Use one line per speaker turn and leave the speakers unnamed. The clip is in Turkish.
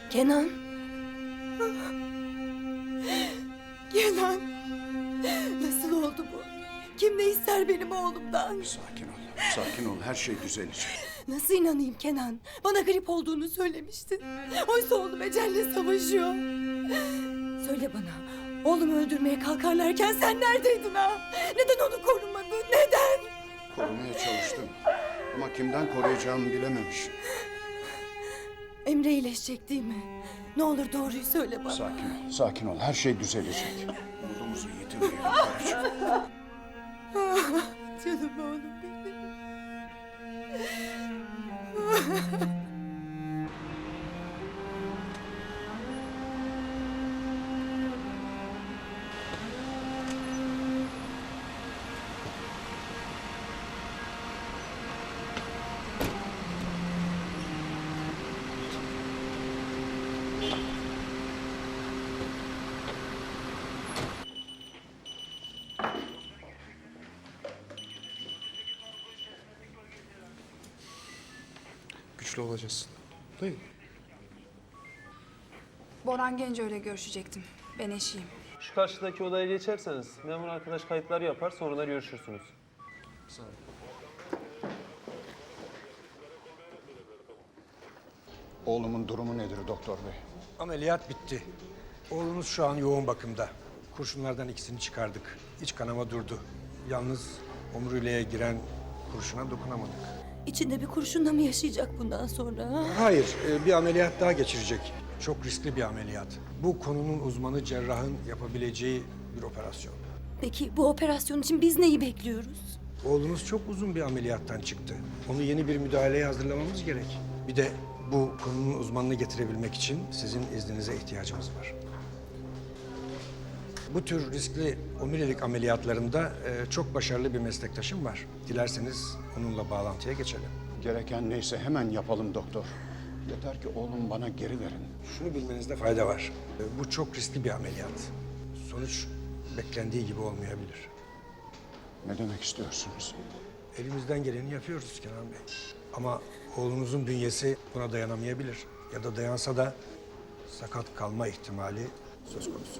Kenan. Kenan. Nasıl oldu bu? Kim ne ister benim oğlumdan?
Sakin ol. Sakin ol. Her şey düzelecek.
Nasıl inanayım Kenan? Bana grip olduğunu söylemiştin. Oysa oğlum ecelle savaşıyor. Söyle bana. Oğlumu öldürmeye kalkarlarken sen neredeydin ha? Neden onu korumadın? Neden?
Korumaya çalıştım. Ama kimden koruyacağımı bilememiş.
Emre iyileşecek değil mi? Ne olur doğruyu söyle bana.
Sakin ol. Sakin ol. Her şey düzelecek. Umudumuzu yitirmeyelim karıcığım.
Canım oğlum benim.
Güçlü olacağız. Dayı.
Boran Genco ile görüşecektim. Ben eşiyim.
Şu karşıdaki odaya geçerseniz memur arkadaş kayıtları yapar, sonra da görüşürsünüz.
Sağ ol.
Oğlumun durumu nedir doktor bey?
Ameliyat bitti. Oğlunuz şu an yoğun bakımda. Kurşunlardan ikisini çıkardık. İç kanama durdu. Yalnız omuriliğe giren kurşuna dokunamadık.
İçinde bir kurşunla mı yaşayacak bundan sonra? Ha?
Hayır, bir ameliyat daha geçirecek. Çok riskli bir ameliyat. Bu konunun uzmanı cerrahın yapabileceği bir operasyon.
Peki bu operasyon için biz neyi bekliyoruz?
Oğlunuz çok uzun bir ameliyattan çıktı. Onu yeni bir müdahaleye hazırlamamız gerek. Bir de bu konunun uzmanını getirebilmek için sizin izninize ihtiyacımız var. Bu tür riskli omurilik ameliyatlarında çok başarılı bir meslektaşım var. Dilerseniz onunla bağlantıya geçelim.
Gereken neyse hemen yapalım doktor. Yeter ki oğlum bana geri verin.
Şunu bilmenizde fayda var. Bu çok riskli bir ameliyat. Sonuç beklendiği gibi olmayabilir.
Ne demek istiyorsunuz?
Elimizden geleni yapıyoruz Kenan Bey. Ama oğlunuzun bünyesi buna dayanamayabilir. Ya da dayansa da sakat kalma ihtimali söz konusu.